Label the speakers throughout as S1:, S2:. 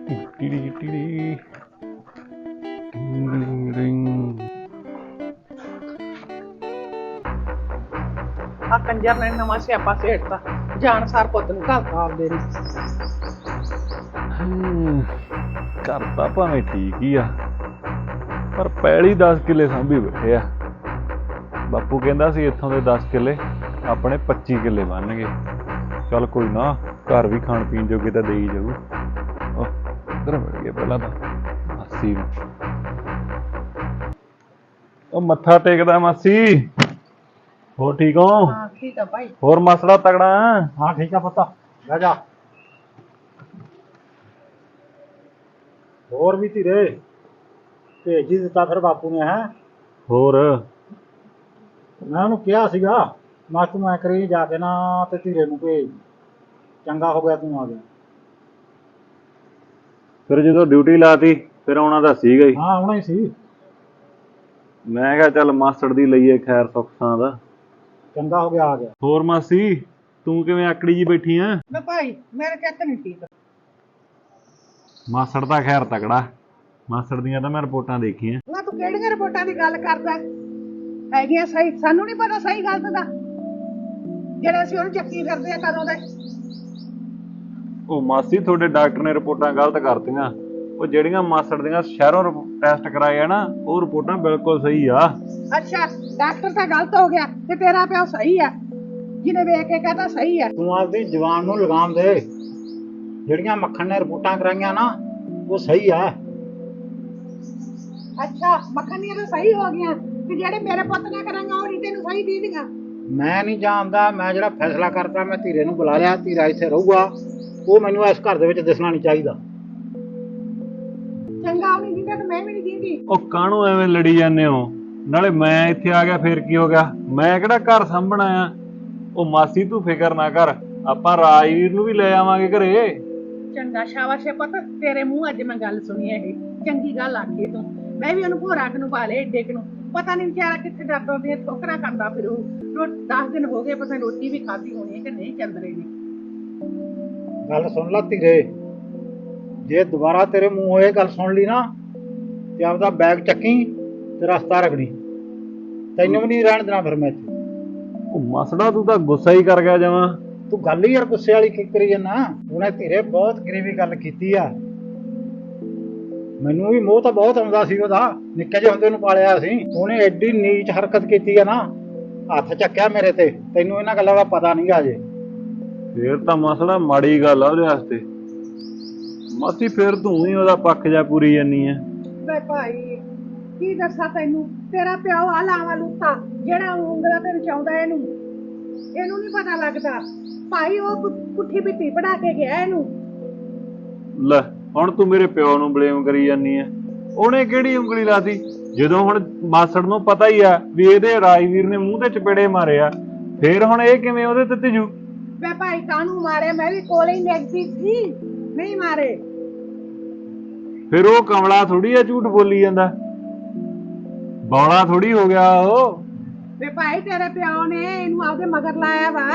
S1: ਆ ਕੰਜਰ ਨੇ ਨਵਾਂ ਸਿਆਪਾ ਸੇੜਤਾ ਜਾਣ ਸਾਰ ਪੁੱਤ ਨੂੰ ਘਰ ਆਪਦੇ ਨੇ।
S2: ਘਰ ਤਾਂ ਭਾਵੇਂ ਠੀਕ ਹੀ ਆ ਪਰ ਪੈਲੀ 10 ਕਿੱਲੇ ਸਾਂਭੀ ਬੈਠੇ ਆ। ਬਾਪੂ ਕਹਿੰਦਾ ਸੀ ਇੱਥੋਂ ਦੇ 10 ਕਿੱਲੇ ਆਪਣੇ 25 ਕਿੱਲੇ ਬਣਨਗੇ। ਚੱਲ ਕੋਈ ਨਾ, ਘਰ ਵੀ ਖਾਣ ਪੀਣ ਜੋਗੇ ਤਾਂ ਦੇਈ ਜਾਊ। ਇੱਧਰ ਮਿਲ ਗਏ ਪਹਿਲਾਂ ਤਾਂ ਮਾਸੀ ਨੂੰ। ਉਹ ਮੱਥਾ ਟੇਕਦਾ ਮਾਸੀ। ਹੋਰ ਠੀਕ ਹੋ?
S1: ਹਾਂ ਠੀਕ ਆ ਭਾਈ।
S2: ਹੋਰ ਮਸੜਾ ਤਗੜਾ?
S3: ਹਾਂ ਠੀਕ ਆ ਪੁੱਤ, ਬਹਿ ਜਾ। ਹੋਰ ਵੀ ਧੀਰੇ ਭੇਜ ਹੀ ਦਿੱਤਾ ਫਿਰ ਬਾਪੂ ਨੇ। ਹੈ
S2: ਹੋਰ
S3: ਮੈਂ ਉਹਨੂੰ ਕਿਹਾ ਸੀਗਾ, ਮੈਂ ਤੂੰ ਐ ਕਰੀ ਜਾ ਕੇ ਨਾ ਤੇ ਧੀਰੇ ਨੂੰ ਭੇਜ। ਚੰਗਾ ਹੋ ਗਿਆ ਤੂੰ ਆ ਗਿਆ।
S2: ਫਿਰ ਜਦੋਂ ਡਿਊਟੀ ਲਾਤੀ ਫਿਰ ਆਉਣਾ ਤਾਂ ਸੀਗਾ ਹੀ।
S3: ਹਾਂ ਆਉਣਾ ਹੀ ਸੀ।
S2: ਮੈਂ ਕਿਹਾ ਚੱਲ ਮਾਸੜ ਦੀ ਲਈਏ ਖੈਰ ਸੁੱਖ ਸਾਂ ਦਾ।
S3: ਚੰਗਾ ਹੋ ਗਿਆ ਆ ਗਿਆ।
S2: ਹੋਰ ਮਾਸੀ ਤੂੰ ਕਿਵੇਂ ਆਕੜੀ ਜੀ ਬੈਠੀ ਆ?
S1: ਮੈਂ ਭਾਈ ਮੇਰੇ ਚੱਕ ਨਹੀਂ ਠੀਕ।
S2: ਮਾਸੜ ਤਾਂ ਖੈਰ ਤਕੜਾ। ਮਾਸੜ ਦੀਆਂ ਤਾਂ ਮੈਂ ਰਿਪੋਰਟਾਂ ਦੇਖੀਆਂ।
S1: ਨਾ ਤੂੰ ਕਿਹੜੀਆਂ ਰਿਪੋਰਟਾਂ ਦੀ ਗੱਲ ਕਰਦਾ ਹੈਗੀਆਂ? ਸਹੀ ਸਾਨੂੰ ਨਹੀਂ ਪਤਾ ਸਹੀ ਗਲਤ ਦਾ, ਜਿਹੜੇ ਅਸੀਂ ਉਹਨੂੰ ਚੱਕੀ ਫਿਰਦੇ ਆ ਕਦੋਂ ਦੇ।
S2: ਉਹ ਮਾਸੀ ਤੁਹਾਡੇ ਡਾਕਟਰ ਨੇ ਰਿਪੋਰਟਾਂ ਗਲਤ ਕਰਤੀਆਂ। ਉਹ ਜਿਹੜੀਆਂ ਮਾਸੜ ਦੀਆਂ ਸ਼ਹਿਰੋਂ ਟੈਸਟ ਕਰਾਏ ਆ ਨਾ, ਉਹ ਰਿਪੋਰਟਾਂ ਬਿਲਕੁਲ ਸਹੀ ਆ।
S1: ਅੱਛਾ ਡਾਕਟਰ ਤਾਂ ਗਲਤ ਹੋ ਗਿਆ ਤੇ ਤੇਰਾ ਪਿਓ ਸਹੀ ਆ, ਜਿਹਨੇ ਵੇਖ ਕੇ ਕਹਤਾ ਸਹੀ ਆ।
S3: ਤੂੰ ਆਪਦੀ ਜਵਾਨ ਨੂੰ ਲਗਾਮ ਦੇ। ਜਿਹੜੀਆਂ ਮੱਖਣ ਨੇ ਰਿਪੋਰਟਾਂ ਕਰਾਈਆਂ ਨਾ ਉਹ ਸਹੀ ਆ।
S1: ਅੱਛਾ ਮੱਖਣੀਆਂ ਤਾਂ ਸਹੀ ਹੋ ਗਈਆਂ ਤੇ ਜਿਹੜੇ ਮੇਰੇ ਪੁੱਤ ਨੇ ਕਰਾਂਗਾ ਉਹ ਨਹੀਂ ਤੈਨੂੰ ਸਹੀ ਦੀਦੀਆਂ।
S3: ਮੈਂ ਨਹੀਂ ਜਾਣਦਾ, ਮੈਂ ਜਿਹੜਾ ਫੈਸਲਾ ਕਰਤਾ ਮੈਂ ਧੀਰੇ ਨੂੰ ਬੁਲਾ ਲਿਆ। ਧੀਰਾ ਇੱਥੇ ਰਹੂਗਾ, ਉਹ ਮੈਨੂੰ ਇਸ ਘਰ ਦੇ ਵਿੱਚ ਦਿਸਣਾ ਨਹੀਂ ਚਾਹੀਦਾ।
S1: ਚੰਗਾ ਉਹ ਨਹੀਂ ਦਿੰਦਾ ਤੇ ਮੈਂ ਵੀ ਨਹੀਂ ਦਿੰਦੀ।
S2: ਉਹ ਕਾਹਨੂੰ ਐਵੇਂ ਲੜੀ ਜਾਂਦੇ ਹੋ? ਨਾਲੇ ਮੈਂ ਇੱਥੇ ਆ ਗਿਆ ਫੇਰ ਕੀ ਹੋ ਗਿਆ? ਮੈਂ ਕਿਹੜਾ ਘਰ ਸਾਂਭਣਾ ਆ? ਉਹ ਮਾਸੀ ਤੂੰ ਫਿਕਰ ਨਾ ਕਰ, ਆਪਾਂ ਰਾਜਵੀਰ ਨੂੰ ਵੀ ਲੈ ਆਵਾਂਗੇ ਘਰੇ।
S1: ਚੰਗਾ ਸ਼ਾਬਾਸ਼ ਏ ਪੁੱਤ, ਤੇਰੇ ਮੂੰਹ ਅੱਜ ਮੈਂ ਗੱਲ ਸੁਣੀ ਇਹ ਚੰਗੀ ਗੱਲ ਆਖੀ ਤੂੰ। ਮੈਂ ਵੀ ਉਹਨੂੰ ਭੋਰਾਕ ਨੂੰ ਪਾ ਲਿਆ ਏਡੇ ਨੂੰ। ਪਤਾ ਨਹੀਂ ਵਿਚਾਰਾ ਕਿੱਥੇ ਡਰਦਾ ਦੀਆਂ ਠੋਕਰਾਂ ਖਾਂਦਾ ਫਿਰ ਉਹ। 10 ਦਿਨ ਹੋ ਗਏ ਪਤਾ ਰੋਟੀ ਵੀ ਖਾਧੀ ਹੋਣੀ ਹੈ ਕਿ ਨਹੀਂ ਚੰਦਰੇ ਨੇ।
S3: ਗੱਲ ਸੁਣ ਲੈ ਧੀਰੇ, ਜੇ ਦੁਬਾਰਾ ਤੇਰੇ ਮੂੰਹੋਂ ਇਹ ਗੱਲ ਸੁਣ ਲਈ ਨਾ ਤੇ ਆਪਦਾ ਬੈਗ ਚੱਕੀ ਤੇ ਰਸਤਾ ਰਗੜੀ। ਤੈਨੂੰ ਵੀ ਨਹੀਂ ਰਹਿਣ ਦੇਣਾ ਫਿਰ ਮੈਂ ਇੱਥੇ।
S2: ਉਹ ਮਸੜਾ ਤੂੰ ਤਾਂ ਗੁੱਸਾ ਹੀ ਕਰ ਗਿਆ ਜਮਾਂ।
S3: ਤੂੰ ਗੱਲ ਹੀ ਯਾਰ ਗੁੱਸੇ ਵਾਲੀ ਕੀ ਕਰੀ ਜਾਂਦਾ? ਉਹਨੇ ਧੀਰੇ ਬਹੁਤ ਗਰੀਬੀ ਗੱਲ ਕੀਤੀ ਆ। ਮੈਨੂੰ ਵੀ ਮੋਹ ਤਾਂ ਬਹੁਤ ਆਉਂਦਾ ਸੀ ਉਹਦਾ, ਨਿੱਕੇ ਜਿਹੇ ਹੁੰਦੇ ਨੂੰ ਪਾਲਿਆ ਸੀ। ਉਹਨੇ ਐਡੀ ਨੀਚ ਹਰਕਤ ਕੀਤੀ ਆ ਨਾ, ਹੱਥ ਚੱਕਿਆ ਮੇਰੇ ਤੇ। ਤੈਨੂੰ ਇਹਨਾਂ ਗੱਲਾਂ ਦਾ ਪਤਾ ਨਹੀਂ ਗਾ ਜੇ।
S2: ਫੇਰ ਤਾਂ ਮਸੜਾ ਮਾੜੀ ਗੱਲ ਆ ਉਹਦੇ ਵਾਸਤੇ। ਮਾਸੀ ਫੇਰ ਤੂੰ ਹੀ ਉਹਦਾ ਪੱਖ ਜਾ ਪੂਰੀ ਜਾਨੀ ਆ।
S1: ਵੇ ਭਾਈ ਕੀ ਦੱਸਾਂ ਤੈਨੂੰ, ਤੇਰਾ ਪਿਓ ਆ ਲਾਵਾ ਲੁੱਟਾ ਜਿਹੜਾ ਉਂਗਲਾਂ ਤੇ ਨਚਾਉਂਦਾ ਇਹਨੂੰ ਨਹੀਂ ਪਤਾ ਲੱਗਦਾ ਭਾਈ। ਉਹ ਪੁੱਠੀ ਬਿੱਟੀ ਪੜਾ ਕੇ ਗਿਆ ਇਹਨੂੰ।
S2: ਲੈ ਹੁਣ ਤੂੰ ਮੇਰੇ ਪਿਓ ਨੂੰ ਬਲੇਮ ਕਰੀ ਜਾਨੀ ਆ। ਉਹਨੇ ਕਿਹੜੀ ਉਂਗਲੀ ਲਾਤੀ? ਜਦੋਂ ਹੁਣ ਮਾਸੜ ਨੂੰ ਪਤਾ ਹੀ ਆ ਵੀ ਇਹਦੇ ਰਾਜਵੀਰ ਨੇ ਮੂੰਹ ਤੇ ਚਪੇੜੇ ਮਾਰੇ ਆ, ਫੇਰ ਹੁਣ ਇਹ ਕਿਵੇਂ ਉਹਦੇ ਤੇ ਤੇਜੂ?
S1: ਵੇ ਭਾਈ ਕਾਹਨੂੰ ਮਾਰਿਆ? ਮੈਂ ਵੀ ਕੋਲੇ ਹੀ ਲੈਗਦੀ ਸੀ, ਨਹੀਂ ਮਾਰੇ।
S2: ਫਿਰ ਉਹ ਕਮਲਾ ਥੋੜੀ ਆ ਝੂਠ ਬੋਲੀ ਜਾਂਦਾ, ਬੌਲਾ ਥੋੜੀ ਹੋ ਗਿਆ ਉਹ।
S1: ਵੇ ਭਾਈ ਤੇਰੇ ਪਿਓ ਨੇ ਇਹਨੂੰ ਆਪਦੇ ਮਗਰ ਲਾਇਆ ਵਾ।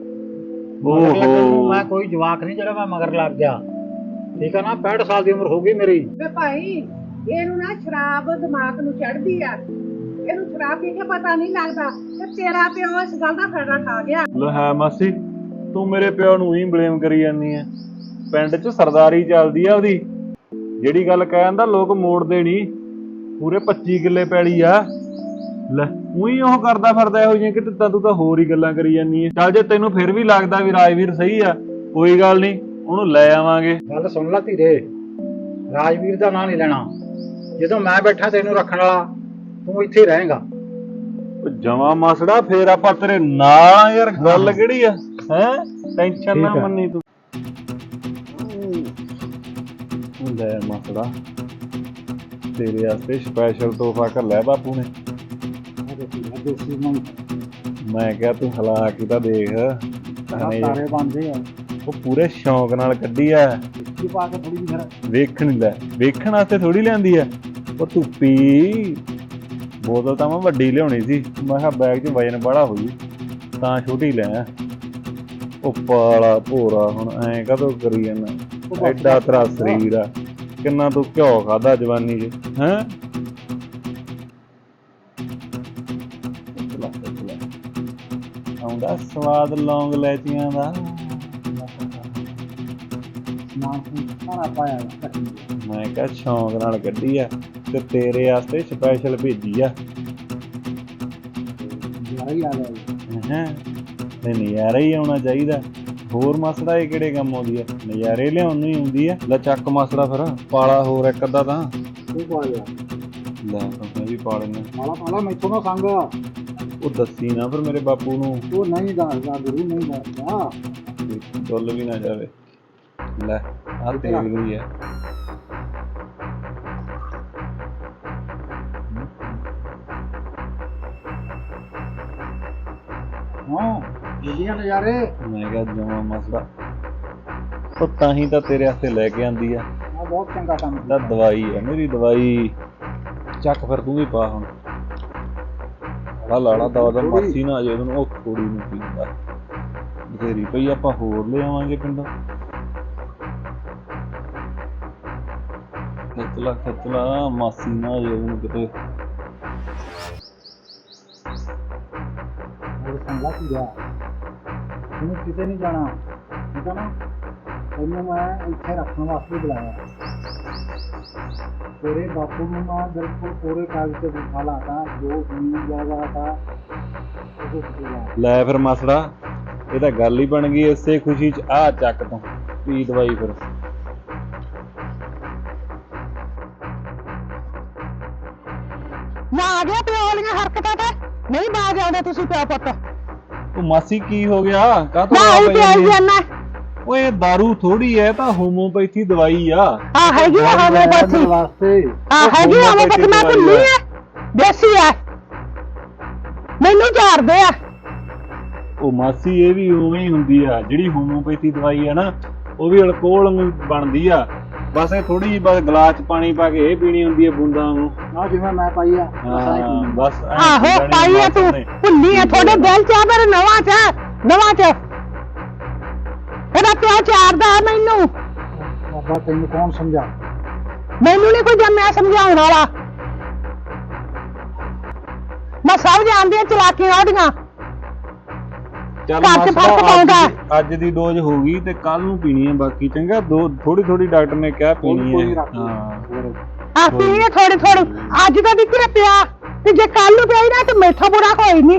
S2: ਓਹੋ
S3: ਮੈਂ ਕੋਈ ਜਵਾਕ ਨਹੀਂ ਜਿਹੜਾ ਮੈਂ ਮਗਰ ਲੱਗ ਗਿਆ, ਠੀਕ ਆ ਨਾ? 65 ਸਾਲ ਦੀ ਉਮਰ ਹੋ ਗਈ ਮੇਰੀ।
S1: ਵੇ ਭਾਈ ਇਹਨੂੰ ਨਾ ਸ਼ਰਾਬ ਦਿਮਾਗ ਨੂੰ ਚੜਦੀ ਆ, ਇਹਨੂੰ ਸ਼ਰਾਬ ਪੀ ਕੇ ਪਤਾ ਨਹੀਂ ਲੱਗਦਾ ਤੇ ਤੇਰਾ ਪਿਓ ਇਸ ਗੱਲ ਦਾ ਫਾਇਦਾ ਖਾ ਗਿਆ।
S2: ਲੈ ਹੈ ਮਾਸੀ, ਤੂੰ ਮੇਰੇ ਪਿਓ ਨੂੰ ਹੀ ਬਲੇਮ ਕਰੀ ਜਾਂਦੀ ਆ। ਪਿੰਡ 'ਚ ਸਰਦਾਰੀ ਚੱਲਦੀ ਆ ਉਹਦੀ। ਜਿਹੜੀ ਗੱਲ ਕਹਿੰਦਾ ਲੋਕ ਮੋੜਦੇ ਨਹੀਂ। ਪੂਰੇ 25 ਕਿੱਲੇ ਪੈਲੀ ਆ। ਲੈ ਉਹੀ ਉਹ ਕਰਦਾ ਫਿਰਦਾ ਇਹੋ ਜਿਹੀਆਂ ਕਿ ਤੂੰ ਤਾਂ ਹੋਰ ਹੀ ਗੱਲਾਂ ਕਰੀ ਜਾਂਦੀ ਆ। ਚੱਲ ਜੇ ਤੈਨੂੰ ਫਿਰ ਵੀ ਲੱਗਦਾ ਵੀ ਰਾਜਵੀਰ ਸਹੀ ਆ, ਕੋਈ ਗੱਲ ਨਹੀਂ, ਉਹਨੂੰ ਲੈ ਆਵਾਂਗੇ।
S3: ਗੱਲ ਸੁਣ ਲੈ ਧੀਰੇ, ਰਾਜਵੀਰ ਦਾ ਨਾਂ ਨਹੀਂ ਲੈਣਾ। ਜਦੋਂ ਮੈਂ ਬੈਠਾ ਤੈਨੂੰ ਰੱਖਣ ਵਾਲਾ, ਤੂੰ ਇੱਥੇ ਹੀ ਰਹੇਗਾ।
S2: ਜਮਾ ਮਸੜਾ ਫੇਰ ਆਪਾਂ ਤੇਰੇ ਨਾਲ ਯਾਰ। ਗੱਲ ਕਿਹੜੀ ਆ? ਹੈ ਟੈਨਸ਼ਨ ਨਾ ਮੰਨੀ ਤੂੰ। ਲੈ ਮਸੜਾ ਤੇਰੇ ਵਾਸਤੇ ਸਪੈਸ਼ਲ ਤੋਹਫਾ ਘੱਲਿਆ ਬਾਪੂ ਨੇ। ਮੈਂ ਕਿਹਾ ਤੂੰ ਹਲਾ ਕੇ ਤਾਂ ਦੇਖ।
S3: ਤਾਰੇ ਬਣਦੇ ਆ।
S2: ਉਹ ਪੂਰੇ ਸ਼ੌਂਕ ਨਾਲ ਕੱਢੀ ਆ।
S3: ਪਾ ਕੇ ਥੋੜੀ ਜਿਹੀ
S2: ਵੇਖਣ ਲੈ, ਵੇਖਣ ਵਾਸਤੇ ਥੋੜੀ ਲਿਆਂਦੀ ਆ। ਉਹ ਧੁੱਪੀ ਬੋਤਲ ਤਾਂ ਮੈਂ ਵੱਡੀ ਲਿਆਉਣੀ ਸੀ। ਮੈਂ ਕਿਹਾ ਬੈਗ 'ਚ ਵਜਨ ਬੜਾ ਹੋਈ ਤਾਂ ਛੋਟੀ ਲੈ ਆ। ਉਹ ਪਾਲਾ ਭੋਰਾ ਹੁਣ ਐਂ ਕਦੋਂ ਕਰੀ ਜਾਂਦਾ? ਐਡਾ ਤੇਰਾ ਸਰੀਰ ਆ, ਕਿੰਨਾ ਤੂੰ ਘਿਓ ਖਾਦਾ ਜਵਾਨੀ 'ਚ ਹੈਂ? ਆਉਂਦਾ ਸਵਾਦ ਲੌਂਗ ਲੈਚੀਆਂ ਦਾ।
S3: ਸਾਰਾ ਪਾਇਆ
S2: ਮੈਂ ਕਿਹਾ ਸ਼ੌਂਕ ਨਾਲ ਕੱਢੀ ਆ ਤੇ ਤੇਰੇ ਵਾਸਤੇ ਸਪੈਸ਼ਲ ਭੇਜੀ ਆ।
S3: ਯਾਰ ਹੀ ਆ ਗਿਆ
S2: ਹੈਂ ਤੇ ਨਜ਼ਾਰਾ ਹੀ ਆਉਣਾ ਚਾਹੀਦਾ। ਹੋਰ ਮਸੜਾ ਇਹ ਕਿਹੜੇ ਕੰਮ ਆਉਂਦੀ ਆ? ਨਜ਼ਾਰੇ ਲਿਆਉਣ ਨੂੰ ਹੀ ਆਉਂਦੀ ਆ। ਲੈ ਚੱਕ ਮਸੜਾ ਫਿਰ ਪਾਲਾ ਹੋਰ ਇੱਕ ਅੱਧਾ ਤਾਂ।
S3: ਤੂੰ ਪਾ ਲਿਆ
S2: ਲੈ ਮੈਂ ਵੀ ਪਾ ਲੈਣਾ।
S3: ਪਾਲਾ ਮੈਥੋਂ ਨਾ ਸੰਗ
S2: ਉਹ ਦੱਸੀ ਨਾ ਫਿਰ ਮੇਰੇ ਬਾਪੂ ਨੂੰ।
S3: ਉਹ ਨਹੀਂ ਦੱਸਦਾ ਗੁਰੂ ਨਹੀਂ ਦੱਸਦਾ।
S2: ਡੁੱਲ ਵੀ ਨਾ ਜਾਵੇ। ਲੈ ਆ ਤੇਲ ਗਈ ਆ।
S3: ਹਾਂ ਜਿਹੜੀਆਂ ਨਜ਼ਾਰੇ
S2: ਮੈਂ ਕਿਹਾ ਜਮਾ ਮਸਲਾ ਉਹ ਤਾਂ ਹੀ ਤਾਂ ਤੇਰੇ ਵਾਸਤੇ ਲੈ ਕੇ ਆਂਦੀ ਆ।
S3: ਆ ਬਹੁਤ ਚੰਗਾ ਕੰਮ
S2: ਤਾਂ ਦਵਾਈ ਆ ਮੇਰੀ ਦਵਾਈ। ਚੱਕ ਫਿਰ ਤੂੰ ਵੀ ਪਾ ਹੁਣ। ਲਾਲਾ ਦਵਾ ਮਾਸੀ ਨਾ ਆ ਜਾਏ ਉਹਨੂੰ। ਉਹ ਥੋੜੀ ਨੂੰ ਪੀਂਦਾ ਬਥੇਰੀ ਪਈ, ਆਪਾਂ ਹੋਰ ਲੈ ਆਵਾਂਗੇ ਪਿੰਡੋਂ। ਖਿੱਚਲਾ ਮਾਸੀ ਨਾ ਆ ਜਾਏ ਉਹਨੂੰ ਕਿਤੇ।
S3: ਸੰਭਲਾ ਕੀ ਗਿਆ ਤੈਨੂੰ ਕਿਤੇ ਨਹੀਂ ਜਾਣਾ ਠੀਕ ਆ ਨਾ। ਤੈਨੂੰ ਮੈਂ ਇੱਥੇ ਰੱਖਣ ਵਾਸਤੇ ਬੁਲਾਇਆ। ਤੇਰੇ ਬਾਪੂ ਨੂੰ ਮੈਂ ਬਿਲਕੁਲ ਪੂਰੇ ਕਾਗਜ਼ ਤੇ ਬਿਠਾ ਲਾਤਾ ਜੋ ਜ਼ਮੀਨ ਜਾਇਦਾਦ ਆ ਉਹ
S2: ਲੈ ਫਿਰ ਮਸੜਾ ਇਹ ਤਾਂ ਗੱਲ ਹੀ ਬਣ ਗਈ ਇਸੇ ਖੁਸ਼ੀ 'ਚ। ਆ ਚੱਕ ਤੂੰ ਪੀ ਦਵਾਈ ਫਿਰ।
S1: ਨਾ ਆ ਗਿਆ ਪਿਓ ਵਾਲੀਆਂ ਹਰਕਤਾਂ ਤੇ ਨਹੀਂ ਬਾਜ ਆਉਂਦੇ ਤੁਸੀਂ ਪਿਓ ਪੁੱਤ।
S2: ਉਹ ਮਾਸੀ ਕੀ ਹੋ ਗਿਆ? ਕਾਹਤੋਂ
S1: ਨਾ ਹੀ ਪਿਆਈ ਜਾਂਦਾ।
S2: ਓਏ ਦਾਰੂ ਥੋੜੀ ਐ, ਤਾਂ ਹੋਮੋਪੈਥੀ ਦਵਾਈ ਆ।
S1: ਆ ਹੈਗੀ ਹੋਮੋਪੈਥੀ
S3: ਵਾਸਤੇ।
S1: ਆ ਹੈਗੀ ਹੋਮੋਪੈਥੀ ਮੈਂ ਭੁੱਲੀ ਆ। ਦੇਸੀ ਆ ਮੈਨੂੰ ਝਾੜਦੇ ਆ।
S2: ਉਹ ਮਾਸੀ ਇਹ ਵੀ ਉਵੇਂ ਹੀ ਹੁੰਦੀ ਆ। ਜਿਹੜੀ ਹੋਮੋਪੈਥੀ ਦਵਾਈ ਆ ਨਾ ਉਹ ਵੀ ਅਲਕੋਹਲ ਨੂੰ ਬਣਦੀ ਆ। ਬਸ ਇਹ ਥੋੜੀ ਜਿਹੀ ਬਸ ਗਲਾਸ 'ਚ ਪਾਣੀ ਪਾ ਕੇ ਇਹ ਪੀਣੀ ਹੁੰਦੀ ਆ ਬੂੰਦਾਂ ਨੂੰ।
S3: ਆ ਜਿਵੇਂ ਮੈਂ ਪਾਈ ਆ
S2: ਬਸ
S1: ਆਹੋ ਪਾਈ ਆ ਤੂੰ ਭੁੱਲੀ ਆ। ਤੁਹਾਡੇ ਦਿਲ 'ਚ ਆ ਮੇਰੇ ਨਵਾਂ 'ਚ ਇਹਦਾ ਪਿਓ ਝਾੜਦਾ ਮੈਨੂੰ।
S3: ਬਾਬਾ ਤੈਨੂੰ ਕੌਣ ਸਮਝਾ?
S1: ਮੈਨੂੰ ਨਹੀਂ ਕੋਈ ਜੰਮਿਆ ਸਮਝਾਉਣ ਵਾਲਾ। ਮੈਂ ਸਭ ਜਾਣਦੀ ਆ ਚਲਾਕੀਆਂ ਉਹਦੀਆਂ।
S2: ਚੱਲ
S1: ਘਰ 'ਚ ਫਰਕ ਪਾਉਂਦਾ।
S2: ਅੱਜ ਦੀ ਡੋਜ਼ ਹੋ ਗਈ ਤੇ ਕੱਲ ਨੂੰ ਪੀਣੀ ਹੈ ਬਾਕੀ। ਚੰਗਾ ਥੋੜੀ ਡਾਕਟਰ ਨੇ ਕਿਹਾ ਪੀਣੀ ਹੈ।
S1: ਆ ਪੀਣੀ ਹੈ ਥੋੜੀ। ਅੱਜ ਤਾਂ ਦਿੱਕਤ ਪਿਆ ਤੇ ਜੇ ਕੱਲ ਨੂੰ ਪਿਆਈ ਨਾ ਤੇ ਮੇਥੋਂ ਬੁਰਾ ਕੋਈ ਨਹੀਂ।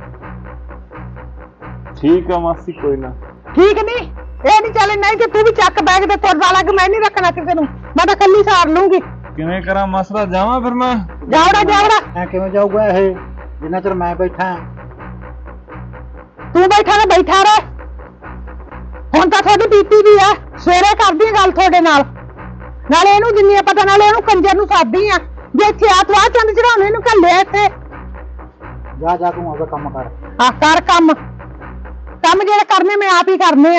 S2: ਠੀਕ ਆ ਮਾਸੀ ਕੋਈ ਨਾ।
S1: ਠੀਕ ਨਹੀਂ ਇਹ ਨਹੀਂ ਚੱਲੇ। ਨਹੀਂ ਤੇ ਤੂੰ ਵੀ ਚੱਕ ਬੈਗ ਤੇ ਤੁਰਦਾ ਲੱਗ। ਮੈਂ ਨਹੀਂ ਰੱਖਣਾ ਕਿਸੇ ਨੂੰ। ਮੈਂ ਤਾਂ ਕੱਲੀ ਸਾਰ ਲੂੰਗੀ।
S2: ਕਿਵੇਂ ਕਰਾਂ ਮਸਲਾ? ਜਾਵਾਂ ਫਿਰ ਮੈਂ?
S1: ਜਾਵੜਾ
S3: ਐ ਕਿਵੇਂ ਜਾਊਗਾ ਇਹ ਜਿੰਨਾ ਚਿਰ ਮੈਂ ਬੈਠਾ?
S1: ਤੂੰ ਬੈਠਾ ਰਹਿ। ਹੁਣ ਤਾਂ ਤੁਹਾਡੀ ਪੀਤੀ ਵੀ ਆ। ਸਵੇਰੇ ਕਰਦੀ ਗੱਲ ਤੁਹਾਡੇ ਨਾਲ। ਨਾਲੇ ਇਹਨੂੰ ਜਿੰਨੀ ਪਤਾ ਨਾਲੇ ਇਹਨੂੰ ਕੰਜਰ ਨੂੰ ਸਾਦੀ ਆ। ਜੇ ਇੱਥੇ ਆ ਤੂੰ ਆ ਚੰਦ ਚੜਾਉਣੇ ਇਹਨੂੰ ਘੱਲਿਆ ਇੱਥੇ।
S3: ਜਾ ਤੂੰ ਆਪਦਾ ਕੰਮ ਕਰ।
S1: ਆ ਕਰ ਕੰਮ ਜਿਹੜੇ ਕਰਨੇ ਮੈਂ ਆਪ ਹੀ ਕਰਨੇ ਆ।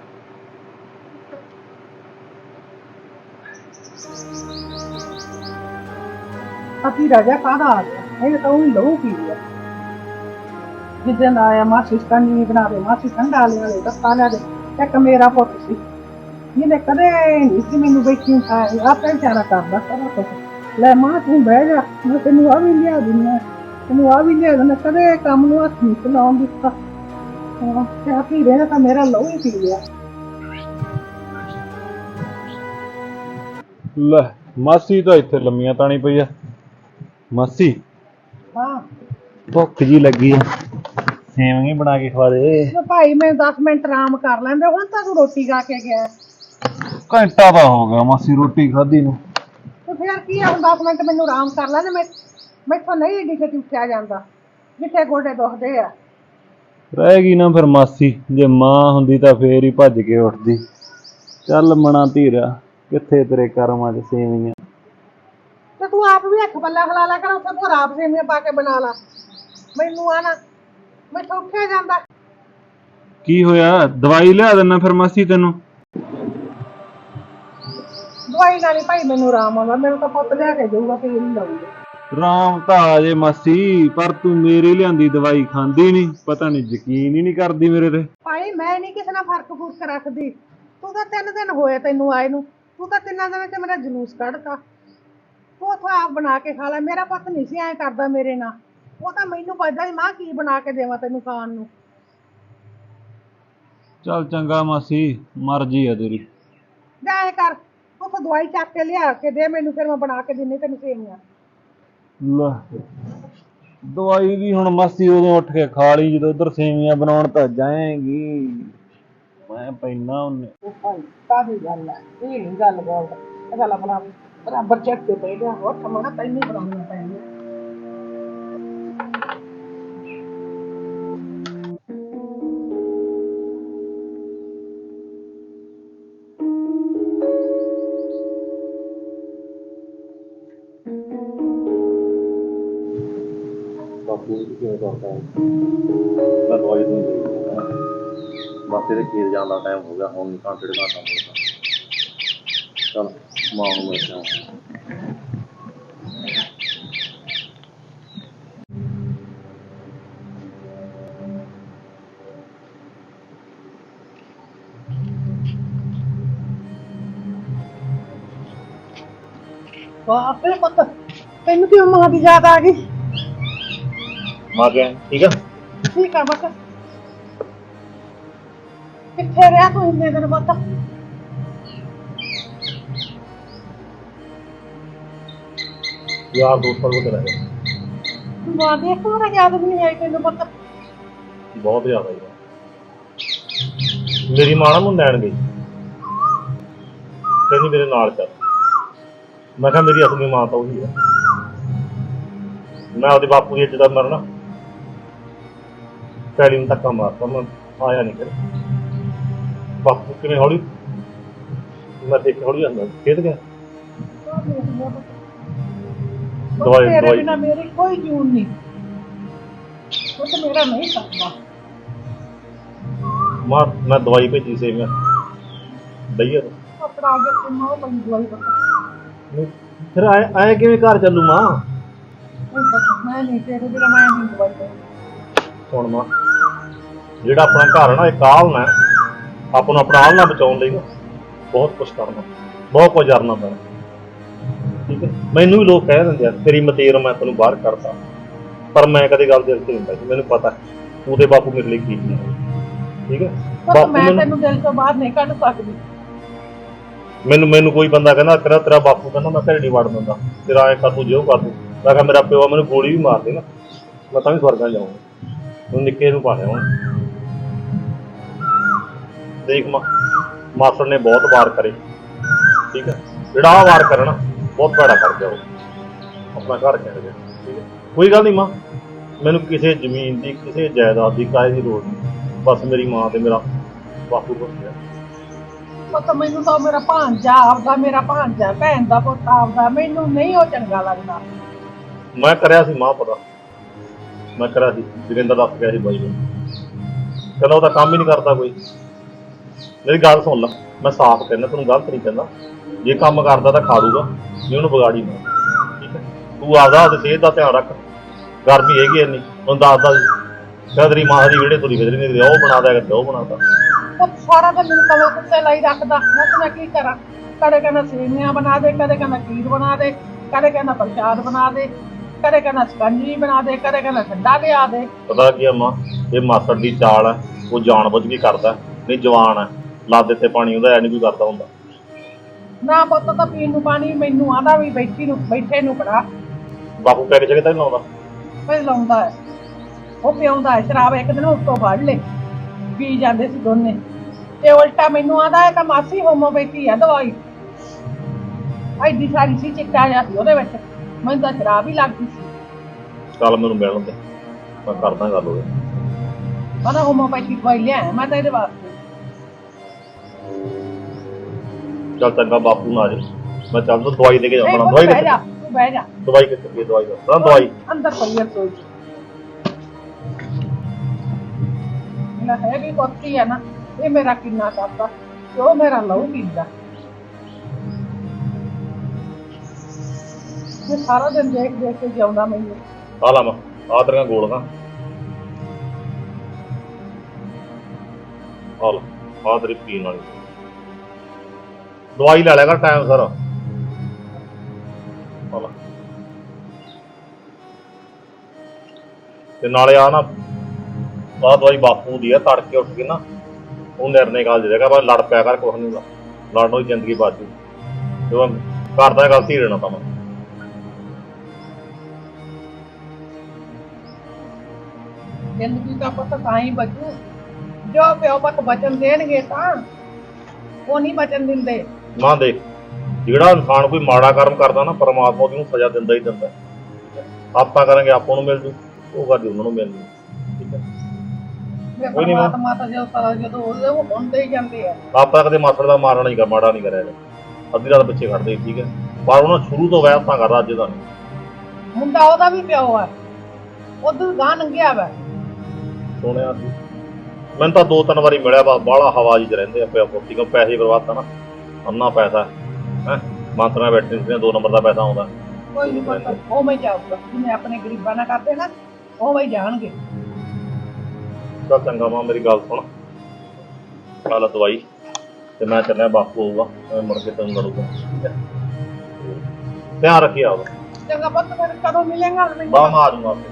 S1: ਆਪੀ ਰਾਜਾ ਕਾਹਦਾ ਆ ਗਿਆ? ਇਹ ਤਾਂ ਉਹ ਲਹੂ ਪੀ ਲਿਆ। ਜਿੱਦਣ ਆਇਆ ਮਾਸੀ ਕੰਨੀ ਬਣਾ ਦੇ, ਮਾਸੀ ਠੰਡਾ ਲਿਆ ਦੇ, ਦੱਸਾ ਲਿਆ ਦੇ। ਇੱਕ ਮੇਰਾ ਪੁੱਤ ਸੀ ਜਿਹਨੇ ਕਦੇ ਨਹੀਂ ਸੀ ਮੈਨੂੰ ਬੈਠੀ ਉਠਾਇਆ। ਆਪੇ ਵਿਚਾਰਾ ਕਰਦਾ ਸਾਰਾ ਕੁਛ। ਲੈ ਮਾਂ ਤੂੰ ਬਹਿ ਜਾ, ਮੈਂ ਤੈਨੂੰ ਆ ਵੀ ਲਿਆ ਦਿੰਦਾ, ਤੈਨੂੰ ਆ ਵੀ ਲਿਆ ਦਿੰਦਾ। ਕਦੇ ਕੰਮ ਨੂੰ ਹੱਥ ਨਹੀਂ ਚਲਾਉਣ ਦਿੱਤਾ। ਤੇ ਆਪੀ ਰਹਿਣਾ ਤਾਂ ਮੇਰਾ ਲਹੂ ਹੀ ਪੀ ਲਿਆ।
S2: ਲੈ ਮਾਸੀ ਤਾਂ ਇੱਥੇ ਲੰਮੀਆਂ ਤਾਣੀ ਪਈ ਆ। ਮਾਸੀ
S1: ਹਾਂ
S2: ਭੁੱਖ ਜੀ ਲੱਗੀ ਆ, ਸੇਵੀਂ ਬਣਾ ਕੇ ਖਵਾ ਦੇ।
S1: ਭਾਈ ਮੈਂ 10 ਮਿੰਟ ਆਰਾਮ ਕਰ ਲੈਂਦੇ। ਹੁਣ ਤਾਂ ਤੂੰ ਰੋਟੀ ਖਾ ਕੇ ਗਿਆ।
S2: ਘੰਟਾ ਤਾਂ ਹੋ ਗਿਆ ਮਾਸੀ ਰੋਟੀ ਖਾਧੀ ਨੂੰ।
S1: ਤੇ ਫਿਰ ਕੀ ਆ? ਹੁਣ 10 ਮਿੰਟ ਮੈਨੂੰ ਆਰਾਮ ਕਰ ਲੈਂਦੇ। ਮੈਥੋਂ ਨਹੀਂ ਏਡੀ ਛੇਤੀ ਉੱਠਿਆ ਜਾਂਦਾ। ਜਿੱਥੇ ਗੋਡੇ ਦੁਖਦੇ ਆ।
S2: ਰਹਿ ਗਈ ਨਾ ਫਿਰ ਮਾਸੀ। ਜੇ ਮਾਂ ਹੁੰਦੀ ਤਾਂ ਫੇਰ ਹੀ ਭੱਜ ਕੇ ਉੱਠਦੀ। ਚੱਲ ਮਣਾ ਧੀਰਾ, ਕਿੱਥੇ ਤੇਰੇ ਕਰਮਾਂ 'ਚ ਸੇਵੀਆਂ।
S1: ਤੇ ਤੂੰ ਆਪ ਵੀ ਹੱਥ ਪੱਲਾ ਹਿਲਾ ਲਿਆ ਕਰ। ਉੱਥੇ ਤੂੰ ਆਪ ਸੇਵੀਆਂ ਪਾ ਕੇ ਬਣਾ ਲਾ। ਮੈਨੂੰ ਆਣਾ ਮੈਥੋਂ ਉੱਠਿਆ ਜਾਂਦਾ।
S2: ਕੀ ਹੋਇਆ? ਦਵਾਈ ਲਿਆ ਦਿੰਦਾ ਫਿਰ ਮਾਸੀ ਤੈਨੂੰ।
S1: ਦਵਾਈ ਨਾਲ ਹੀ ਭਾਈ ਮੈਨੂੰ ਆਰਾਮ ਆਉਂਦਾ। ਮੈਨੂੰ ਤਾਂ ਪੁੱਤ ਲਿਆ ਕੇ ਜਾਊਗਾ ਫੇਰ ਹੀ ਲਾਊਗਾ।
S2: ਰਾਮ ਤਾਂ ਆ ਜੇ ਮਾਸੀ, ਪਰ ਤੂੰ ਮੇਰੀ ਲਿਆਂਦੀ ਦਵਾਈ ਖਾਂਦੀ ਨਹੀਂ, ਪਤਾ ਨਹੀਂ ਯਕੀਨ ਹੀ ਨਹੀਂ ਕਰਦੀ ਮੇਰੇ ਤੇ।
S1: ਭਾਈ ਮੈਂ ਨਹੀਂ ਕਿਸੇ ਨਾਲ ਫਰਕ ਫੁਰਕ ਰੱਖਦੀ। ਤੂੰ ਤਾਂ 3 ਦਿਨ ਹੋਏ ਤੈਨੂੰ ਆਏ ਨੂੰ, ਤੂੰ ਤਾਂ 3 ਦਿਨਾਂ ਚ ਮੇਰਾ ਜਲੂਸ ਕੱਢਤਾ। ਤੂੰ ਉੱਥੋਂ ਆਪ ਬਣਾ ਕੇ ਖਾ ਲੈ। ਮੇਰਾ ਪੁੱਤ ਨਹੀਂ ਸੀ ਐਂ ਕਰਦਾ ਮੇਰੇ ਨਾਲ। ਉਹ ਤਾਂ ਮੈਨੂੰ ਪੁੱਛਦਾ ਸੀ ਮਾਂ ਕੀ ਬਣਾ ਕੇ ਦੇਵਾਂ ਤੈਨੂੰ ਖਾਣ ਨੂੰ।
S2: ਚੱਲ ਚੰਗਾ ਮਾਸੀ, ਮਰਜ਼ੀ ਆ ਤੇਰੀ।
S1: ਜਾ ਐਂ ਕਰ, ਉੱਥੋਂ ਦਵਾਈ ਚੱਕ ਕੇ ਲਿਆ ਕੇ ਦੇ ਮੈਨੂੰ, ਫਿਰ ਮੈਂ ਬਣਾ ਕੇ ਦਿੰਨੀ ਤੈਨੂੰ ਸੇਵੀਆਂ।
S2: ਲੈ ਦਵਾਈ ਵੀ ਹੁਣ ਮਾਸੀ ਉਦੋਂ ਉੱਠ ਕੇ ਖਾ ਲਈ ਜਦੋਂ ਉਧਰ ਸੇਵੀਆਂ ਬਣਾਉਣ ਤਾਂ ਜਾਏਗੀ। ਮੈਂ ਪੈਣਾ ਉਹਨੇ।
S1: ਉਹ ਭਾਈ ਕਾਹਦੀ ਗੱਲ ਹੈ, ਇਹ ਨਹੀਂ ਗੱਲ ਗੱਲ ਆਪਣਾ ਬਰਾਬਰ ਚੱਕ ਕੇ ਪੈ ਗਿਆ। ਹੋਰ ਸਮਾਂ ਤੈਨੂੰ ਬਣਾਉਣੀਆਂ ਪੈਣੀਆਂ।
S4: ਬਾਪੂ ਵੀ ਕਿਵੇਂ ਕਰਦਾ ਹੈ? ਮੈਂ ਦਵਾਈ ਤੋਂ ਬਸ ਇਹਦੇ ਖੇਤ ਜਾਣ ਦਾ ਟਾਈਮ ਹੋ ਗਿਆ, ਹੁਣ ਨਹੀਂ ਘੰਟੇ ਡੇਢ ਘੰਟਾ ਹੋਊਗਾ। ਚੱਲ ਮਾਂ ਨੂੰ ਮਿਲ ਕੇ ਆਉਂਦਾ।
S1: ਬਾਪੇ ਪੁੱਤ ਤੈਨੂੰ ਕਿਉਂ ਮਾਂ ਦੀ ਯਾਦ ਆ ਗਈ?
S4: ਮਾਂ ਗਿਆ ਠੀਕ ਆ?
S1: ਠੀਕ ਆ ਪੁੱਤ। ਕਿੱਥੇ ਰਿਹਾ ਤੂੰ ਇੰਨੇ ਦਿਨ ਪੁੱਤ?
S4: ਯਾਰ ਦੋਸਤਾਂ ਕੋਲ ਚਲਾ ਗਿਆ।
S1: ਮਾਂ ਦੀ ਇੱਕ ਵਾਰ ਯਾਦ ਵੀ ਨਹੀਂ ਆਈ ਤੈਨੂੰ ਪੁੱਤ?
S4: ਬਹੁਤ ਜ਼ਿਆਦਾ ਯਾਰ। ਮੇਰੀ ਮਾਂ ਨਾ ਮੈਨੂੰ ਲੈਣ ਗਈ, ਕਹਿੰਦੀ ਮੇਰੇ ਨਾਲ ਚੱਲ। ਮੈਂ ਕਿਹਾ ਮੇਰੀ ਅਸਲੀ ਮਾਂ ਤਾਂ ਉਹੀ ਆ। ਮੈਂ ਉਹਦੇ ਬਾਪੂ ਦੀ ਇੱਜ਼ਤ ਦਾ ਮਰਨਾ ਪੈਲੀ ਨੂੰ ਧੱਕਾ ਮਾਰਤਾ। ਮੈਂ ਆਇਆ ਨਹੀਂ ਫਿਰ। ਬਾਪੂ ਕਿਵੇਂ ਹੌਲੀ ਮੈਂ ਦੇਖਿਆ ਹੌਲੀ ਜਾਂਦਾ ਖੇਡ ਗਿਆ। ਦਵਾਈ
S1: ਤੇਰੇ
S4: ਦਵਾਈ
S1: ਬਿਨਾਂ ਮੇਰੀ ਕੋਈ ਜੂਨ ਨਹੀਂ। ਉਹ ਤਾਂ ਮੇਰਾ ਨਹੀਂ ਸਕਦਾ।
S4: ਮੈਂ ਦਵਾਈ ਭੇਜੀ ਸੀ ਮੈਂ ਦਈਏ
S1: ਆਪਣਾ ਅੱਗੇ ਤੇ ਮਾਂ ਬਣ ਦਵਾਈ ਪੁੱਤ।
S4: ਫਿਰ ਆਏ ਕਿਵੇਂ ਘਰ ਚੱਲੂ ਮਾਂ?
S1: ਮੈਂ ਨਹੀਂ ਤੇਰੇ ਬਿਨਾਂ ਮੈਂ ਨਹੀਂ ਦਵਾਈ ਦੇਣੀ।
S4: ਹੁਣ ਮਾਂ ਜਿਹੜਾ ਆਪਣਾ ਘਰ ਹੈ ਨਾ, ਇਹ ਕਾਲ ਨਾ ਆਪਾਂ ਨੂੰ ਆਪਣਾ ਆਲਣਾ ਬਚਾਉਣ ਲਈ ਨਾ ਬਹੁਤ ਕੁਛ ਕਰਨਾ, ਬਹੁਤ ਕੁਝ ਕਰਨਾ ਪੈਣਾ। ਠੀਕ ਹੈ, ਮੈਨੂੰ ਵੀ ਲੋਕ ਕਹਿ ਦਿੰਦੇ ਆ ਤੇਰੀ ਮਤੇਰ ਮੈਂ ਤੈਨੂੰ ਬਾਹਰ ਕਰਤਾ, ਪਰ ਮੈਂ ਕਦੇ ਗੱਲ ਦਿਲ 'ਚ ਨਹੀਂ ਹੁੰਦਾ ਸੀ। ਮੈਨੂੰ ਪਤਾ ਉਹਦੇ ਬਾਪੂ ਮੇਰੇ ਲਈ ਕੀ ਸੀ। ਠੀਕ ਹੈ,
S1: ਪੁੱਤ ਮੈਂ ਤੈਨੂੰ ਦਿਲ ਤੋਂ ਬਾਹਰ ਨਹੀਂ ਕੱਢ ਸਕਦੀ।
S4: ਮੈਨੂੰ ਕੋਈ ਬੰਦਾ ਕਹਿੰਦਾ ਤੇਰਾ ਬਾਪੂ ਕਹਿੰਦਾ ਮੈਂ ਘਰੇ ਨਹੀਂ ਵੜ ਦਿੰਦਾ, ਤੇਰਾ ਐਂ ਕਰ ਤੂੰ ਜੇ ਉਹ ਕਰ ਦੂੰ। ਮੈਂ ਕਿਹਾ ਮੇਰਾ ਪਿਓ ਮੈਨੂੰ ਗੋਲੀ ਵੀ ਮਾਰ ਦੇ ਨਾ, ਮੈਂ ਤਾਂ ਵੀ ਸਵਰਗਾਂ ਜਾਊਂਗਾ। ਹੁਣ ਨਿੱਕੇ ਨੂੰ ਪਾ ਲਿਆ ਹੁਣ। ਦੇਖ ਮਾਸੜ ਨੇ ਬਹੁਤ ਵਾਰ ਕਰੇ। ਠੀਕ ਹੈ, ਜਿਹੜਾ ਆਹ ਵਾਰ ਕਰਨਾ ਬਹੁਤ ਭੈੜਾ ਕਰ ਗਿਆ ਉਹ, ਆਪਣਾ ਘਰ ਕਹਿ ਗਿਆ। ਠੀਕ ਹੈ, ਕੋਈ ਗੱਲ ਨਹੀਂ ਮਾਂ, ਮੈਨੂੰ ਕਿਸੇ ਜ਼ਮੀਨ ਦੀ ਕਿਸੇ ਜਾਇਦਾਦ ਦੀ ਕਾਹੇ ਦੀ ਲੋੜ ਨਹੀਂ। ਬਸ ਮੇਰੀ ਮਾਂ ਤੇ ਮੇਰਾ ਬਾਪੂ ਬਸ ਗਿਆ।
S1: ਪੁੱਤ ਮੈਨੂੰ ਤਾਂ ਮੇਰਾ ਭਾਂਜਾ ਆਪਦਾ, ਮੇਰਾ ਭਾਂਜਾ ਭੈਣ ਦਾ ਪੁੱਤ ਆਪਦਾ, ਮੈਨੂੰ ਨਹੀਂ ਉਹ ਚੰਗਾ ਲੱਗਦਾ।
S4: ਮੈਂ ਕਰਿਆ ਸੀ ਮਾਂ ਪਤਾ, ਮੈਂ ਕਰਿਆ ਸੀ। ਜੋਗਿੰਦਰ ਦੱਸ ਗਿਆ ਸੀ ਬਾਈ ਨੂੰ, ਕਹਿੰਦਾ ਉਹ ਤਾਂ ਕੰਮ ਹੀ ਨਹੀਂ ਕਰਦਾ ਕੋਈ। ਮੇਰੀ ਗੱਲ ਸੁਣ ਲਾ, ਮੈਂ ਸਾਫ਼ ਕਹਿੰਦਾ ਤੈਨੂੰ, ਗਲਤ ਨਹੀਂ ਕਹਿੰਦਾ। ਜੇ ਕੰਮ ਕਰਦਾ ਤਾਂ ਖਾ ਲੂਗਾ, ਜੇ ਉਹਨੂੰ ਵਿਗਾੜੀ ਨਾ। ਠੀਕ ਹੈ, ਤੂੰ ਆਪਦੀ ਸਿਹਤ ਦਾ ਧਿਆਨ ਰੱਖ। ਗਰਮੀ ਹੈਗੀ ਇੰਨੀ, ਉਹਨੂੰ ਦੱਸਦਾ ਕਹਿੰਦਾ ਤੇਰੀ ਮਾਂ ਦੀ ਵਿਹੜੇ ਤੁਰੀ ਫਿਰਦੀ ਨਹੀਂ, ਉਹ ਬਣਾ ਦਿਆ ਕਰਦੇ, ਉਹ ਬਣਾਤਾ।
S1: ਸਾਰਾ ਦਿਨ ਮੈਨੂੰ ਕਮਲ ਕੁੱਤੇ ਲਈ ਰੱਖਦਾ। ਮੈਂ ਕੀ ਕਰਾਂ? ਕਦੇ ਕਹਿੰਦਾ ਸੇਵੀਆਂ ਬਣਾ ਦੇ, ਕਦੇ ਕਹਿੰਦਾ ਖੀਰ ਬਣਾ ਦੇ, ਕਦੇ ਕਹਿੰਦਾ ਪ੍ਰਸ਼ਾਦ ਬਣਾ ਦੇ, ਕਦੇ ਕਹਿੰਦਾ ਸਕੰਜੀ ਬਣਾ ਦੇ, ਕਦੇ ਕਹਿੰਦਾ ਠੰਡਾ ਲਿਆ ਦੇ।
S4: ਪਤਾ ਕੀ ਆ ਮਾਂ, ਇਹ ਮਾਸੜ ਦੀ ਚਾਲ ਹੈ, ਉਹ ਜਾਣ ਬੁੱਝ ਕੇ ਕਰਦਾ। ਨਹੀਂ ਜਵਾਨ ਹੈ, ਲਾ ਦਿੱਤੇ ਪਾਣੀ ਉਹਦਾ ਐ ਨਹੀਂ ਕੋਈ ਕਰਦਾ ਹੁੰਦਾ।
S1: ਨਾ ਪੁੱਤ ਤਾਂ ਪੀਣ ਨੂੰ ਪਾਣੀ ਮੈਨੂੰ ਆਦਾ ਵੀ ਬੈਠੇ ਨੂੰ ਫੜਾ।
S4: ਬਾਪੂ ਪੈਕ ਜਗ੍ਹਾ ਤਾਂ ਨਹੀਂ ਲਾਉਂਦਾ?
S1: ਫਿਰ ਲਾਉਂਦਾ ਹੈ, ਉਹ ਪਿਆਉਂਦਾ ਹੈ ਸ਼ਰਾਬ। ਇੱਕ ਦਿਨ ਉੱਤੋਂ ਫੜ ਲੈ, ਪੀ ਜਾਂਦੇ ਸੀ ਦੋਨੇ। ਤੇ ਉਲਟਾ ਮੈਨੂੰ ਆਦਾ ਹੈ ਕਿ ਮਾਸੀ ਹੋਮੋਪੈਥੀ ਆ ਦਵਾਈ। ਐਡੀ ਸਾਰੀ ਸੀ, ਚਿੱਟਾ ਜਿਹਾ ਸੀ ਉਹਦੇ ਵਿੱਚ, ਮੈਨੂੰ ਤਾਂ ਸ਼ਰਾਬ ਹੀ ਲੱਗਦੀ ਸੀ।
S4: ਚੱਲ ਮੈਨੂੰ ਮਿਲਣ ਦੇ, ਮੈਂ ਕਰਦਾ ਗੱਲ ਉਹਦੇ।
S1: ਕਹਿੰਦਾ ਹੋਮੋਪੈਥੀ ਦਵਾਈ ਲਿਆ ਮੈਂ ਤਾਂ ਇਹਦੇ ਵਾਸਤੇ।
S4: ਚੱਲ ਚੰਗਾ, ਬਾਪੂ ਨਾ ਆ ਜਾਏ, ਮੈਂ ਚੱਲ ਦਵਾਈ ਦੇ ਕੇ
S1: ਨਹੀਂ
S4: ਜਾਣਾ।
S1: ਪੁੱਤ
S4: ਦਵਾਈ
S1: ਬਹਿ ਜਾ, ਤੂੰ ਬਹਿ ਜਾ।
S4: ਦਵਾਈ ਕਿੱਥੇ ਪਈ? ਦਵਾਈ ਦਾ ਦਵਾਈ
S1: ਅੰਦਰ ਪਈ ਆ ਰਸੋਈ 'ਚ। ਮੇਰਾ ਹੈ ਵੀ ਕੋਤੀ ਹੈ ਨਾ, ਇਹ ਮੇਰਾ ਕਿੰਨਾ ਕਰਦਾ ਤੇ ਉਹ ਮੇਰਾ ਲਹੂ ਪੀਂਦਾ। ਤੇ ਸਾਰਾ ਦਿਨ ਦੇਖ ਦੇਖ ਕੇ ਜਿਉਂਦਾ ਮੈਨੂੰ।
S4: ਆ ਲਾ ਮੈਂ ਆ ਤੇਰੀਆਂ ਗੋਲੀਆਂ ਆ ਲਾ ਆ ਤੇਰੀ ਪੀਣ ਵਾਲੀ ਦਵਾਈ ਲੈ ਲਿਆ ਕਰ ਟਾਈਮ ਸਰ। ਆ ਲਾ ਤੇ ਨਾਲੇ ਆ ਨਾ ਆਹ ਦਵਾਈ ਬਾਪੂ ਦੀ ਆ, ਤੜਕੇ ਉੱਠ ਕੇ ਨਾ ਉਹ ਨਿਰਣੇ ਗੱਲ ਦੇਗਾ ਬਸ ਲੜ ਪਿਆ ਕਰ, ਕੁਛ ਨਹੀਂ ਹੁੰਦਾ, ਲੜਨੋਂ ਹੀ ਜ਼ਿੰਦਗੀ ਬਾਜੂ ਜਦੋਂ ਕਰਦਾ ਗਲਤੀ ਰਹਿਣਾ ਤਾਂ ਮੈਂ
S1: ਜ਼ਿੰਦਗੀ ਦਾ ਪੁੱਤ ਤਾਂ ਹੀ ਬਚੂ ਜੋ ਪਿਓ ਪੁੱਤ ਬਚਨ ਦੇਣਗੇ, ਤਾਂ ਉਹ ਨਹੀਂ ਬਚਨ ਦਿੰਦੇ।
S4: ਨਾ ਦੇਖ, ਜਿਹੜਾ ਇਨਸਾਨ ਕੋਈ ਮਾੜਾ ਕਰਮ ਕਰਦਾ ਨਾ ਪਰਮਾਤਮਾ ਉਹਨੂੰ ਸਜ਼ਾ ਦਿੰਦਾ ਹੀ ਦਿੰਦਾ। ਆਪਾਂ ਕਰਾਂਗੇ ਆਪਾਂ ਨੂੰ ਮਿਲ ਜੂ, ਉਹ ਗੱਲ ਉਹਨਾਂ ਨੂੰ ਮਿਲਣੀ। ਠੀਕ ਹੈ, ਕੋਈ ਨੀ
S1: ਪਰਮਾਤਮਾ ਤਾਂ ਜਦੋਂ ਉਹ ਹੁੰਦੇ ਹੀ ਜਾਂਦੇ ਆ।
S4: ਆਪਾਂ ਕਦੇ ਮਾਸੜ ਦਾ ਮਾਰਨਾ ਨਹੀਂ, ਮਾੜਾ ਨਹੀਂ ਕਰਿਆ, ਅੱਧੀ ਰਾਤ ਪਿੱਛੇ ਖੜਦੇ। ਠੀਕ ਹੈ, ਪਰ ਉਹਨਾਂ ਸ਼ੁਰੂ ਤੋਂ ਵੈਸ ਤਾਂ ਕਰਦਾ, ਅੱਜ ਦਾ ਨਹੀਂ।
S1: ਮੁੰਡਾ ਉਹਦਾ ਵੀ ਪਿਓ ਆ, ਉਧਰ ਗਾਂ ਲੰਘਿਆ ਵਾ।
S4: ਸੁਣਿਆ ਸੀ ਮੈਨੂੰ ਤਾਂ 2-3 ਵਾਰੀ ਮਿਲਿਆ, ਬਾਹਲਾ ਹਵਾ ਜੀ ਚ ਰਹਿੰਦੇ ਆ ਪਿਆ ਪੁੱਤੀ ਕੋ, ਪੈਸੇ ਬਰਬਾਦ ਤਾਂ ਨਾ ਅੰਨਾ ਪੈਸਾ ਹੈ ਮੰਤਰਾਂ ਬੈਠੇ ਨੇ, 2 ਨੰਬਰ ਦਾ ਪੈਸਾ ਆਉਂਦਾ।
S1: ਕੋਈ ਨਹੀਂ ਪਤਾ, ਉਵੇਂ ਜਾਊਗਾ ਜਿਵੇਂ ਆਪਣੇ ਗਰੀਬਾਂ ਨਾਲ ਕਰਦੇ ਨਾ, ਉਵੇਂ ਹੀ ਜਾਣਗੇ।
S4: ਚੱਲ ਚੰਗਾ ਮਾਂ, ਮੇਰੀ ਗੱਲ ਸੁਣ, ਖਾ ਲਾ ਦਵਾਈ ਤੇ ਮੈਂ ਚੱਲਿਆ, ਬਾਪੂ ਆਊਗਾ ਮੁੜ ਕੇ ਤੈਨੂੰ ਲੜੂਗਾ। ਠੀਕ ਹੈ, ਧਿਆਨ ਰੱਖੀ ਆਉਗਾ।
S1: ਚੰਗਾ ਪੁੱਤ, ਫਿਰ ਕਦੋਂ ਮਿਲੇਗਾ?
S4: ਬਾਹ ਮੈਂ ਆ ਜਾਊਂਗਾ ਆਪੇ।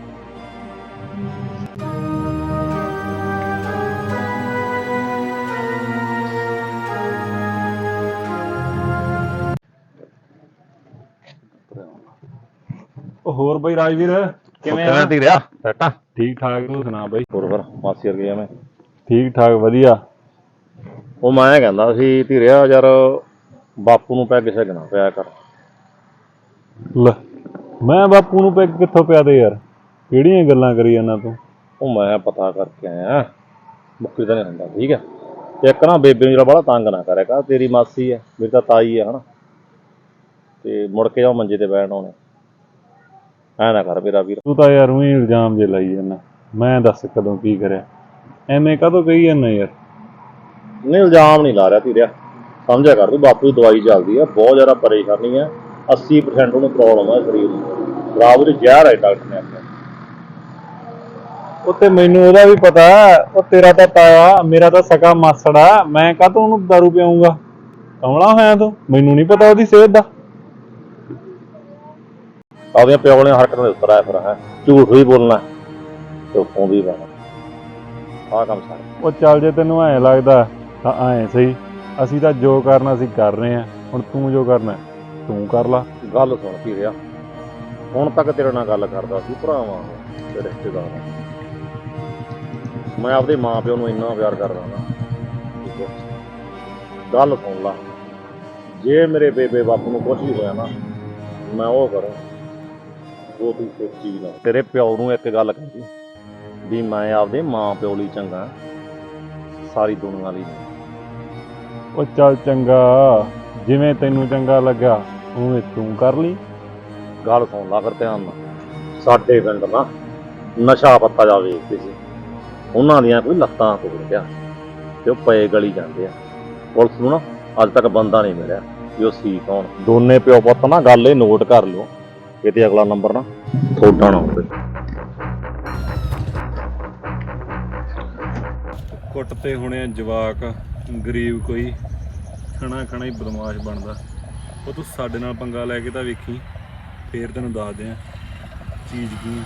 S2: ਉਹ ਹੋਰ ਬਈ ਰਾਜਵੀਰ ਕਿਵੇਂ ਆ?
S4: ਧੀਰਿਆ ਸੈਟਾ
S2: ਠੀਕ ਠਾਕ, ਤੂੰ ਸੁਣਾ ਬਈ?
S4: ਹੋਰ ਫਿਰ ਮਾਸੀ ਵਰਗੇ ਐਵੇਂ
S2: ਠੀਕ ਠਾਕ ਵਧੀਆ।
S4: ਉਹ ਮੈਂ ਕਹਿੰਦਾ ਸੀ ਧੀਰਿਆ ਯਾਰ, ਬਾਪੂ ਨੂੰ ਪੈਗ ਛਕਣਾ ਪਿਆ ਕਰ।
S2: ਲੈ ਮੈਂ ਬਾਪੂ ਨੂੰ ਪੈਗ ਕਿੱਥੋਂ ਪਿਆ ਦੇ ਯਾਰ, ਕਿਹੜੀਆਂ ਗੱਲਾਂ ਕਰੀ ਜਾਂਦਾ ਤੂੰ?
S4: ਉਹ ਮੈਂ ਪਤਾ ਕਰਕੇ ਆਇਆ, ਮੁੱਕਰੀ ਤਾਂ ਨਹੀਂ ਹੁੰਦਾ। ਠੀਕ ਹੈ, ਇੱਕ ਨਾ ਬੇਬੇ ਨੂੰ ਜਿਹੜਾ ਬੜਾ ਤੰਗ ਨਾ ਕਰਿਆ ਕਰ, ਤੇਰੀ ਮਾਸੀ ਹੈ, ਮੇਰੀ ਤਾਂ ਤਾਈ ਹੈ ਹਨਾ, ਤੇ ਮੁੜ ਕੇ ਜਾਓ ਮੰਜੇ ਤੇ ਬੈਠਣ ਆਉਣੇ, ਐ ਨਾ ਕਰ ਮੇਰਾ ਵੀਰ।
S2: ਤੂੰ ਤਾਂ ਯਾਰ ਉਹੀ ਇਲਜ਼ਾਮ ਜੇ ਲਾਈ ਜਾਂਦਾ, ਮੈਂ ਦੱਸ ਕਦੋਂ ਕੀ ਕਰਿਆ, ਐਵੇਂ ਕਾਹਤੋਂ ਕਹੀ ਜਾਂਦਾ ਯਾਰ?
S4: ਨਹੀਂ ਇਲਜ਼ਾਮ ਨਹੀਂ ਲਾ ਰਿਹਾ ਧੀਰਿਆ, ਸਮਝਿਆ ਕਰ ਤੂੰ, ਬਾਪੂ ਦੀ ਦਵਾਈ ਚੱਲਦੀ ਹੈ, ਬਹੁਤ ਜ਼ਿਆਦਾ ਪਰੇਸ਼ਾਨੀ ਹੈ, 80% ਉਹਨੂੰ ਪ੍ਰੋਬਲਮ ਹੈ ਸਰੀਰ ਨੂੰ, ਖਰਾਬ ਉਹਦੀ ਜ਼ਹਿਰ ਹੈ ਡਾਕਟਰ ਨੇ ਆਖਿਆ।
S2: ਉਹ ਤੇ ਮੈਨੂੰ ਉਹਦਾ ਵੀ ਪਤਾ, ਉਹ ਤੇਰਾ ਤਾਂ ਤਾਇਆ, ਮੇਰਾ ਤਾਂ ਸਕਾ ਮਾਸੜ ਆ, ਮੈਂ ਕਾਹਤੋਂ ਉਹਨੂੰ ਦਾਰੂ ਪਿਆਉਂਗਾ? ਕਮਲਾ ਹੋਇਆ ਤੂੰ, ਮੈਨੂੰ ਨਹੀਂ ਪਤਾ ਉਹਦੀ ਸਿਹਤ ਦਾ।
S4: ਆਪਦੀਆਂ ਪਿਓ ਵਾਲੀਆਂ ਹਰਕਤਾਂ ਦੇ ਉੱਤਰ ਆਇਆ ਫਿਰ ਹੈ, ਝੂਠ ਵੀ ਬੋਲਣਾ ਤੇ ਉੱਤੋਂ ਵੀ ਪੈਣਾ, ਆਹ ਕੰਮ ਸਾਰਾ।
S2: ਉਹ ਚੱਲ ਜੇ ਤੈਨੂੰ ਐਂ ਲੱਗਦਾ ਤਾਂ ਐਂ ਸਹੀ, ਅਸੀਂ ਤਾਂ ਜੋ ਕਰਨਾ ਅਸੀਂ ਕਰ ਰਹੇ ਹਾਂ, ਹੁਣ ਤੂੰ ਜੋ ਕਰਨਾ ਤੂੰ ਕਰ ਲਾ।
S4: ਗੱਲ ਸੁਣ ਕੀ ਰਿਹਾ, ਹੁਣ ਤੱਕ ਤੇਰੇ ਨਾਲ ਗੱਲ ਕਰਦਾ ਸੀ ਭਰਾਵਾਂ ਤੇ ਰਿਸ਼ਤੇਦਾਰ, ਮੈਂ ਆਪਦੇ ਮਾਂ ਪਿਓ ਨੂੰ ਇੰਨਾ ਪਿਆਰ ਕਰਦਾ ਨਾ। ਠੀਕ ਹੈ, ਗੱਲ ਸੁਣ ਲਾ, ਜੇ ਮੇਰੇ ਬੇਬੇ ਬਾਪੂ ਨੂੰ ਕੁਛ ਵੀ ਹੋਇਆ ਨਾ, ਮੈਂ ਉਹ ਕਰਾਂ ਉਹ ਤੂੰ ਸੋਚੀ ਨਾ। ਤੇਰੇ ਪਿਓ ਨੂੰ ਇੱਕ ਗੱਲ ਕਹੀ ਵੀ ਮੈਂ ਆਪਦੇ ਮਾਂ ਪਿਓ ਲਈ ਚੰਗਾ, ਸਾਰੀ ਦੁਨੀਆ ਲਈ ਨਹੀਂ।
S2: ਉਹ ਚੱਲ ਚੰਗਾ, ਜਿਵੇਂ ਤੈਨੂੰ ਚੰਗਾ ਲੱਗਾ ਉਵੇਂ ਤੂੰ ਕਰ ਲਈ।
S4: ਗੱਲ ਸੁਣ ਲਾ ਫਿਰ ਧਿਆਨ ਨਾਲ, ਸਾਡੇ ਪਿੰਡ ਨਾ ਨਸ਼ਾ ਪੱਤਾ ਜਾ ਵੇਚਦੇ ਸੀ, ਉਹਨਾਂ ਦੀਆਂ ਕੋਈ ਲੱਤਾਂ ਤੋੜ ਗਿਆ ਤੇ ਉਹ ਪਏ ਗਲੀ ਜਾਂਦੇ ਆ। ਪੁਲਿਸ ਨੂੰ ਨਾ ਅੱਜ ਤੱਕ ਬੰਦਾ ਨਹੀਂ ਮਿਲਿਆ ਵੀ ਉਹ ਸੀ ਕੌਣ। ਦੋਨੇ ਪਿਓ ਪੁੱਤ ਨਾ ਗੱਲ ਇਹ ਨੋਟ ਕਰ ਲਿਓ, ਕਿਤੇ ਅਗਲਾ ਨੰਬਰ ਨਾ ਤੁਹਾਡਾ ਨਾ ਹੋਵੇ।
S2: ਕੁੱਟ ਤੇ ਹੁਣੇ ਜਵਾਕ ਗਰੀਬ ਕੋਈ ਖਣਾ ਖਣਾ ਹੀ ਬਦਮਾਸ਼ ਬਣਦਾ। ਉਹ ਤੂੰ ਸਾਡੇ ਨਾਲ ਪੰਗਾ ਲੈ ਕੇ ਤਾਂ ਵੇਖੀ, ਫੇਰ ਤੈਨੂੰ ਦੱਸਦੇ ਆ ਚੀਜ਼ ਕੀ।